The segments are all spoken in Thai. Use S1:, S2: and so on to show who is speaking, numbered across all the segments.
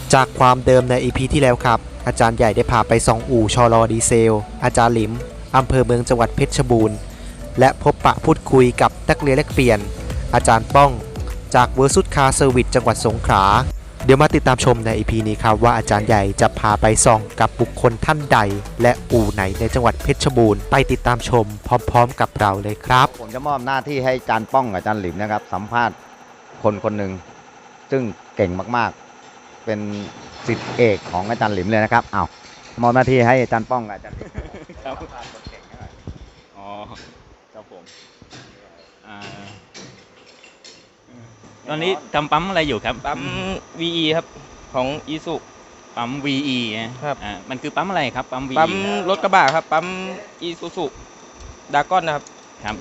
S1: จากความเดิมใน EP ที่แล้วครับอาจารย์ใหญ่ได้พาไปส่องอู่ชลดีเซลอาจารย์หลิมอำเภอเมืองจังหวัดเพชรบูรณ์และพบปะพูดคุยกับนักเรียนแลกเปลี่ยนอาจารย์ป้องจากเวอร์ซุดคาร์เซอร์วิสจังหวัดสงขลาเดี๋ยวมาติดตามชมใน EP นี้ครับว่าอาจารย์ใหญ่จะพาไปส่องกับบุคคลท่านใดและอู่ไหนในจังหวัดเพชรบูรณ์ไปติดตามชมพร้อมๆกับเราเลยครับ
S2: ผมจะมอบหน้าที่ให้อาจารย์ป้องกับอาจารย์หลิมนะครับสัมภาษณ์คนหนึ่งซึ่งเก่งมากๆเป็นศิษย์เอกของอาจารย์หลิมเลยนะครับเอามอบหน้าที่ให้อาจารย์ป้องกับอาจารย์หลิม
S3: ครับ
S2: สัมภาษณ์คนเก่งให้หน่อย
S3: อ๋อครับผมตอนนี้ทำปั๊มอะไรอยู่ครับ
S4: ปั๊ม VE ครับของอีสุ
S3: ปั๊ม VE นะครับมันคือปั๊มอะไรครับปั๊ม VE
S4: ปั๊มรถกระบะครับปั๊มอีซูซุดากอนนะครับ
S3: ครับ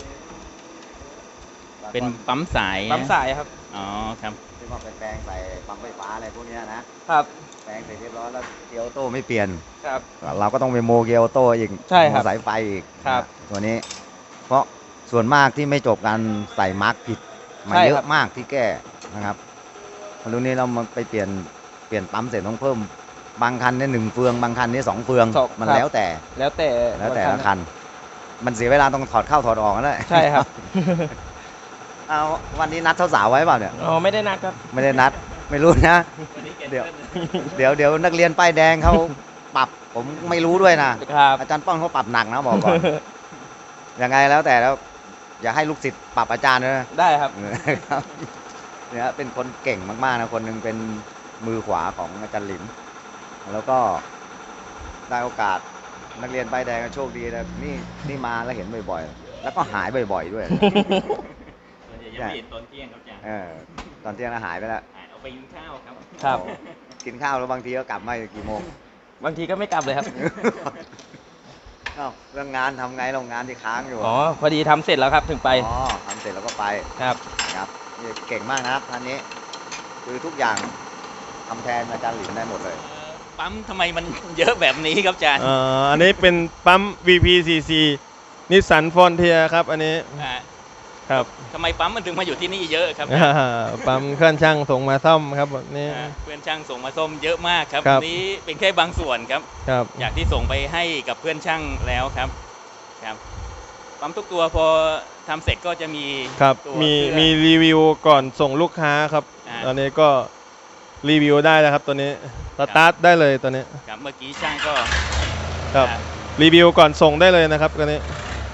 S3: เป็นปั๊มสาย
S4: ปั๊มสายครับ
S3: อ๋อครับ
S2: ที่ว่าไปแปลงใส่ปั๊มไฟฟ้าอะไรพวกนี้นะครับแปลงเสร็จเรียบร้อยแล้วเกียร์ออโต้ไม่เปลี่ยน
S4: ครับ
S2: เราก็ต้องไปโมเกียร์ออโต้อีก
S4: ใช่ครับ
S2: สายไฟอีก
S4: ครับ
S2: ตัวนี้เพราะส่วนมากที่ไม่จบการใส่มาร์กผิดมาเยอะมากที่แก้นะครับรุ่นนี้เรามาไปเปลี่ยนปั๊มเสร็จต้องเพิ่มบางคันเนี่ย1 เฟืองบางคันนี่2 เฟืองมันแล้วแต่ละคันมันเสียเวลาต้องถอดเข้าถอดออกนั่นแหละ
S4: ใช่ครับ
S2: เอาวันนี้นัดสาวๆไว้เปล่าเนี่ย
S4: อ๋อไม่ได้นัดครับ
S2: ไม่ได้นัดไม่รู้นะเดี๋ยวนักเรียนป้ายแดงเขาปรับผมไม่รู้ด้วยนะอาจารย์ป้องเขาปรับหนักนะบอกก่อนยังไงแล้วแต่แล้วอย่าให้ลูกศิษย์ปรับอาจารย์นะ
S4: ได้ครับ
S2: เนี่ยเป็นคนเก่งมากๆนะคนหนึ่งเป็นมือขวาของอาจารย์หลิมแล้วก็ได้โอกาสนักเรียนป้ายแดงโชคดีนะนี่มาแล้วเห็นบ่อยๆแล้วก็หายบ่อยๆด้วย
S3: ยังไม่เห็นตอนเที่ยงครับอาจารย์
S2: ตอนเที่ยงหายไปแล้ว
S3: เอาไปกินข้าวครับ
S4: ครับ
S2: กินข้าวแล้วบางทีก็กลับมากี่โมง
S4: บางทีก็ไม่กลับเลยครับ
S2: เรื่องงานทำไงเรางานที่ค้างอยู่
S4: อ๋อพอดีทำเสร็จแล้วครับถึงไป
S2: อ๋อทำเสร็จแล้วก็ไป
S4: ครับ
S2: เก่งมากนะครับท่านนี้คือทุกอย่างทำแทนอาจารย์หลิมได้หมดเลย
S3: ปั๊มทำไมมันเยอะแบบนี้ครับอาจารย์
S5: อันนี้เป็นปั๊ม VPCC นิสสันฟอนเทียครับอันนี้ครับ
S3: ทำไมปั๊มมันถึงมาอยู่ที่นี่เยอะครับ
S5: ปั๊มเครื่องช่างส่งมาซ่อมครับนี่
S3: เพื่อนช่างส่งมาซ่อมเยอะมากครับนี้เป็นแค่บางส่วนครับอยากที่ส่งไปให้กับเพื่อนช่างแล้วครับปั๊มทุกตัวพอทำเสร็จก็จะมี
S5: ครับมีรีวิวก่อนส่งลูกค้าครับตอนนี้ก็รีวิวได้แล้วครับตัวนี้สตาร์ทได้เลยตัวนี้
S3: ครับเมื่อกี้ช่างก็
S5: ครับรีวิวก่อนส่งได้เลยนะครับตัวนี้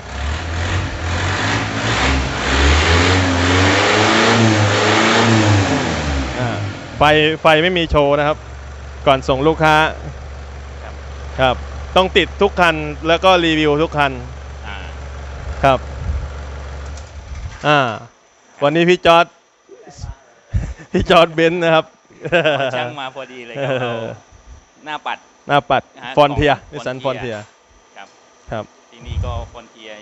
S5: ไฟไม่มีโชว์นะครับก่อนส่งลูกค้าครับต้องติดทุกคันแล้วก็รีวิวทุกคันครับวันนี้พี่จอร์ดเบนซ์นะครับ
S3: ช่างมาพอดีเลยครับหน้าปัด
S5: ฟอนเทียนิสสันฟอนเทีย
S3: ครับที่นี่ก็ฟอนเทีย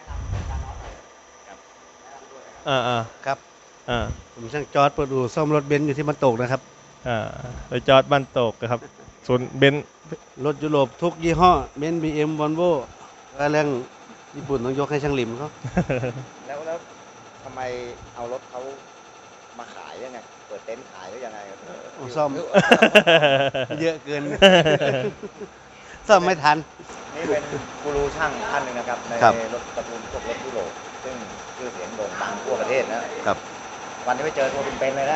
S6: ครับผมช่างจอร์ดเปิดอู่ซ่อมรถเบนซ์อยู่ที่บ้านโตกนะครับ
S5: ไปจอร์ดบ้านโตกครับส่วนเบนซ์
S6: รถยุโรปทุกยี่ห้อเบนซ์ BM Volvo เรื่องญี่ปุ่นต้องยกให้ช่างหลิมเขา
S2: แล้วทำไมเอารถเขามาขายยังไงเปิดเต็นท์ขายหรือยังไง
S6: ซ่อมเยอะเกินซ่อมไม่ทัน
S2: นี่เป็นกูรูช่างท่านหนึ่งนะครับในรถตระกูลพวกรถยุโรปซึ่งชื่อเสียงโด่งดังทั่วประเทศนะครับวันนี้ไปเจอตัวเป็นๆเลยนะ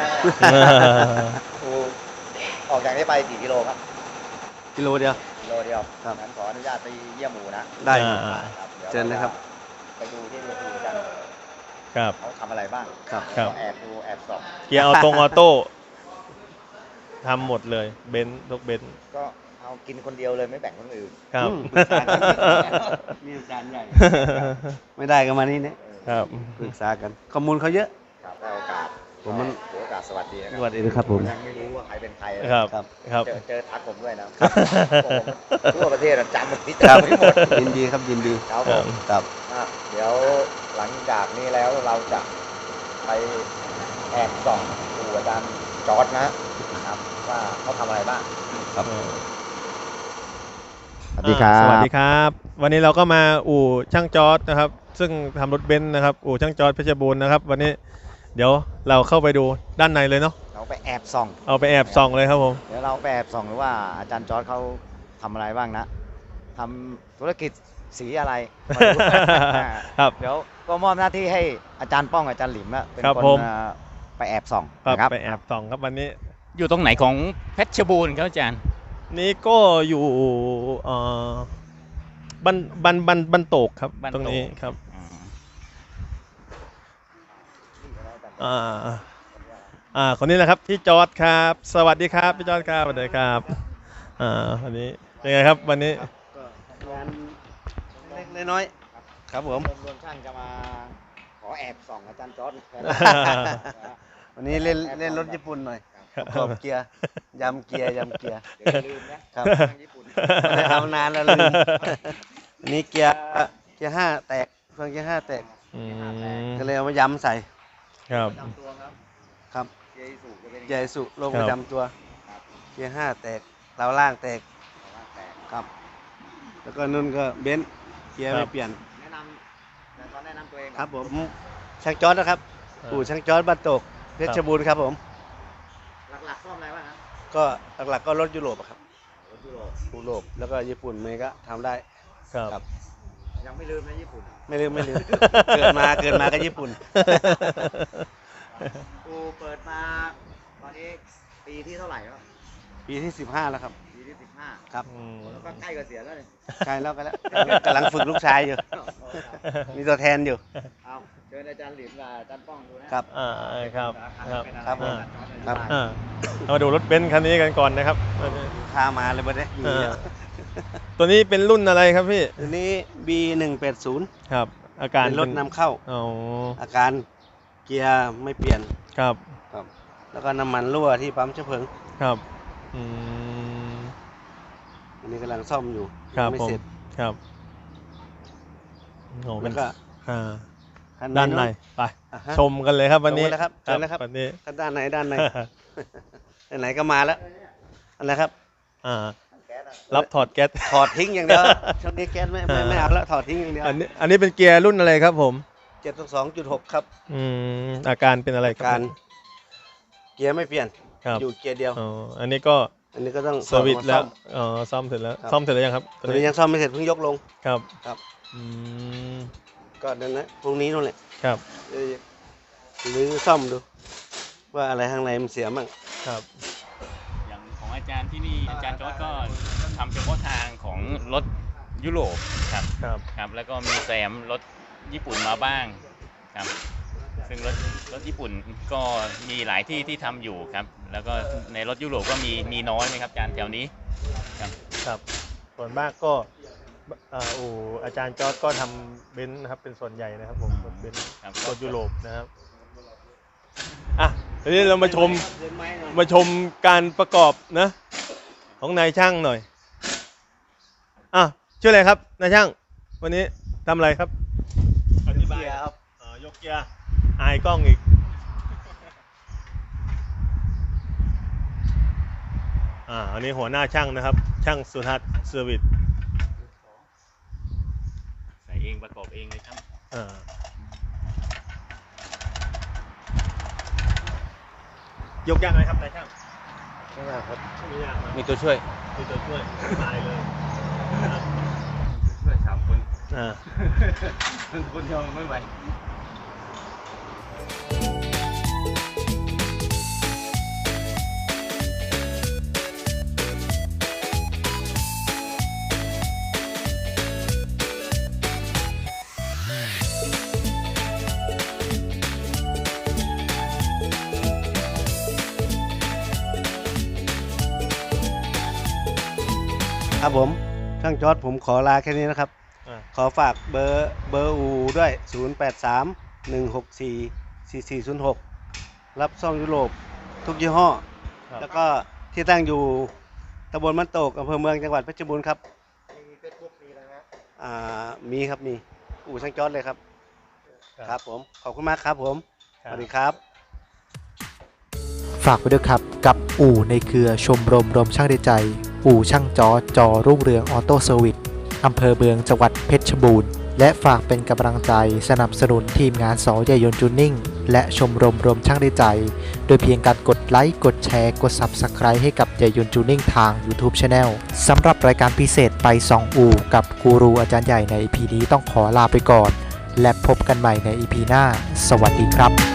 S2: ออกจากนี้ไปกี่กิโลครับ
S6: กิโลเดียว
S2: งั้นขออนุญาตไปเยี่ยมหมู่นะ
S6: ได้ครับเชิญเลยครับ
S2: ไปดูที่เวทีกัน
S5: ครับ
S2: เขาทำอะไรบ้าง
S5: ครับ
S2: แอบดูแอบส่อง
S5: เกียร์ออโต้ทำหมดเลยเบนซ์ทุกเบนซ์
S2: ก็เอากินคนเดียวเลยไม่แบ่งคนอื่น
S5: ครับ
S6: มีอาจารย์ใหญ่ไม่ได้กันมานี่เนี่ยปรึกษากันข้อมูลเขาเยอะ
S2: ครับได้โอกาส
S6: ผมมัน
S2: ถือโอกาสสวัสดี
S6: สวัสดีครับผม
S2: ยังไม่รู้ว่าใครเป็นใคร
S5: ครับ
S2: เจอทักผมด้วยนะทั่วประเทศจำหมดที่หมด
S6: ยินดีครับยินดี
S2: ครับผม
S6: ครับ
S2: เดี๋ยวหลังจากนี้แล้วเราจะไปแอบส่องดูอาจารย์จอร์ดนะครับว่าเขาทำอะไรบ้าง
S6: ครับ
S5: สวัสดีครับวันนี้เราก็มาอู่ช่างจอร์ดนะครับซึ่งทำรถเบนซ์นะครับอู่ช่างจอร์ดเพชรบูรณ์นะครับวันนี้เดี๋ยวเราเข้าไปดูด้านในเลยเนาะ
S2: เราไปแอบส่อง
S5: เอาไปแอบส่องเลยครับผม
S2: เดี๋ยวเราไปแอบส่องหรือว่าอาจารย์จอร์จเขาทำอะไรบ้างนะทำธุรกิจสีอะไรมาดู
S5: ครับ
S2: เดี๋ยวก็มอบหน้าที่ให้อาจารย์ป้องอาจารย์หลิมนะเป็น
S5: ครับ
S2: คน
S5: ผม
S2: ไปแอบส่อง
S5: ครับ
S2: นะครับ
S5: ไปแอบส่องครับวันนี้
S3: อยู่ตรงไหนของเพชรบูรณ์ครับอาจารย์
S5: นี้ก็อยู่บันโตกครับ
S3: บ้าน
S5: ตรงนี้ครับ
S3: อืม
S5: คนนี้แหละครับพี่จอร์ดครับ สวัสดีครับพี่จอร์ดครับสวัสดีครับวันนี้เป็นไงครับวันนี้
S6: ก็งานเล็กๆน้อยๆครับผม
S2: รวมช่างจะมาขอแอบส่องอาจารย์จอร์จแทน
S6: วันนี้เล่นรถญี่ปุ่นหน่อยประกอบเกียร์ยำเกียร์
S2: เดี๋ยวอย่าลืมนะครับ ช่างญี่ปุ่น
S6: ไม่ได้ทำนานแล้วลืมอันนี้เกียร์5แตกเฟืองเกียร์5แตก
S5: อืม
S6: ก็เลยเอามายำใส่
S5: ครับ
S2: ประจำตัวครับ
S6: ครับ
S2: เจสูจะเป็น
S6: ใหญ่สุโลง
S5: ครับ
S6: ประจำตัวเกียร์5แตกเตาล่างแตก
S2: แต่
S6: ครับ แล้วก็นุ่นก็เบนซ์เกียร์ไม่เปลี่ยน
S2: แนะนำแต่ตอนแนะนำตัวเองก่อน
S6: ครับผมช่างจอร์ดนะครับปู่ช่างจอร์ดบ้านโตกเพชรบูรณ์ครับผม
S2: หลักๆซ่อมอะไรบ้างครับ
S6: ก็หลักๆก็รถยุโรปอะครับ
S2: รถยุโรป
S6: ยุโรปแล้วก็ญี่ปุ่นเมย์ก็ทำได้
S5: ครับ
S6: ครับ
S2: ยังไม่ลืมนะญี่ปุ่น
S6: ไม่ลืม เกิดมาก็ญี่ปุ่น
S2: กูเปิดมาตอนนี้ปีที่เท่าไหร่แล้ว
S6: ปีที่15แล้วครับ
S2: ปีที่15
S6: ครับ
S5: อืม
S2: แล้วก็ใกล้เกษียณแล้วนี่
S6: ใช่แล้วกันแล้วกำลังฝึกลูกชายอยู่ มีตัวแทนอยู่
S2: เอาเชิญอาจารย์หลิมกับอาจารย์ป้องดูนะครับ
S5: ครับครับ
S6: ครับผมครับ
S5: เรามาดูรถเบนซ์คันนี้กันก่อนนะครับ
S6: พามาเลยบัดนี้อยู่เนี่ย
S5: ตัวนี้เป็นรุ่นอะไรครับพี่
S6: ตัวนี้ B180
S5: ครับ อาการ
S6: เป็นรถนำเข้า
S5: อ๋อ
S6: อาการเกียร์ไม่เปลี่ยน
S5: ครับ
S6: ครับ แล้วก็น้ำมันรั่วที่ปั๊มเชื้อเพลิง
S5: ครับอืม
S6: อันนี้กำลังซ่อมอยู่
S5: ครับ
S6: ไม่
S5: ผม
S6: เสร็จ
S5: ครับโอ้เป็
S6: แล้
S5: น
S6: วก็
S5: อ่า
S6: คัน
S5: ด้านใน
S6: นู้
S5: ไป
S6: อ่ะฮะ
S5: ชมกันเลยครับวันนี้
S6: ชมกันเลยครับเชิญเลยครับ
S5: วันนี้
S6: คันด้านไหนไหนก็มาแล้วอันไหนครับ
S5: อ่ารับถอดแก๊ส
S6: ถอดทิ้งอย่างเดียวช่วงนี้แก๊สไม่เอาแล้วถอดทิ้งอย่างเดียว
S5: อันนี้เป็นเกียร์รุ่นอะไรครับผม
S6: 722.6 ครับ
S5: อาการเป็นอะไรค
S6: การ
S5: บ
S6: เกียร์ไม่เปลี่ยน
S5: ครับ
S6: อยู่เกียร์เดียว
S5: อ๋ออันนี้ก็
S6: อันนี้ก็ต้อง
S5: สวิตช์แล้ว
S6: ซ่อม
S5: อ๋อซ่อมเสร็จแล้ว
S6: ครับ
S5: ซ่อมเสร็จแล้วยังครับ
S6: ตัวนี้ยังซ่อมไม่เสร็จเพิ่งยกลง
S5: ครับ
S6: ครับ
S5: อืม
S6: ก็นั่นนะพรุ่งนี้นู่นแหละ
S5: ครับ
S6: หรือซ่อมดู ว่าอะไรข้างในมันเสียมั่ง
S5: ครับ
S3: อย่างของอาจารย์ที่นี่อาจารย์จอร์จก็ทำเฉพาะทางของรถยุโรปครับ
S5: ครับ
S3: ครับ แล้วก็มีแซมรถญี่ปุ่นมาบ้างครับ ซึ่งรถญี่ปุ่นก็มีหลายที่ที่ทำอยู่ครับ แล้วก็ในรถยุโรปก็มีน้อยไหมครับอาจารย์แถวนี้ครับ
S5: ครับส่วนมากก็อาจารย์จอร์จก็ทำเบนซ์นะครับเป็นส่วนใหญ่นะครับผมรถเบนซ์
S3: ครับ
S5: รถยุโรปนะครับอ่ะทีนี้เรามาชมการประกอบนะของนายช่างหน่อยชื่ออะไรครับนายช่างวันนี้ทำอะไรครับอธิบายครับยกเกียร์อายกล้องอีกอันนี้หัวหน้าช่างนะครับช่างสุทัศน์เซอร์วิส
S3: ใส่เองประกอบเองเลยครับ
S5: ยกยากไหมครับนายช่าง
S6: ไม่ยากครับ
S5: ไม่ยากนะ
S4: มีตัวช่วย
S5: มีตัวช่วยตายเลยนะครับ
S4: ช่วย3 คน
S5: อ่า
S4: คนเดียวไม่ไหว
S6: ครับผมช่างจอร์ดผมขอลาแค่นี้นะครับ ขอฝากเบอร์อูด้วย 0831644406 รับซ่อมยุโรปทุกยี่ห้อ
S5: ครับ
S6: แล้วก็ที่ตั้งอยู่ตำบลมันโตกอำเภอเมืองจังหวัดเพชรบูรณ์ครับ
S2: มีเฟซบุ๊กมีอะไรนะ
S6: มีครับมีอู่ช่างจอร์ดเลยครับครับผมขอบคุณมากครับผมสวัสดีครับ
S1: ฝากไว้ด้วยครับกับอู่ในเครือชมรมช่างได้ใจ อู่ช่างจอรุ่งเรืองออโต้เซอร์วิสอำเภอเมืองจังหวัดเพชรบูรณ์และฝากเป็นกำลังใจสนับสนุนทีมงานสอใหญ่ยนต์จูนนิ่งและชมรมรวมช่างได้ใจ โดยเพียงการกดไลค์กดแชร์กด Subscribe ให้กับใหญ่ยนต์จูนิ่งทาง YouTube Channel สำหรับรายการพิเศษไป2อู่กับกูรูอาจารย์ใหญ่ใน EP นี้ต้องขอลาไปก่อน และพบกันใหม่ใน EP หน้าสวัสดีครับ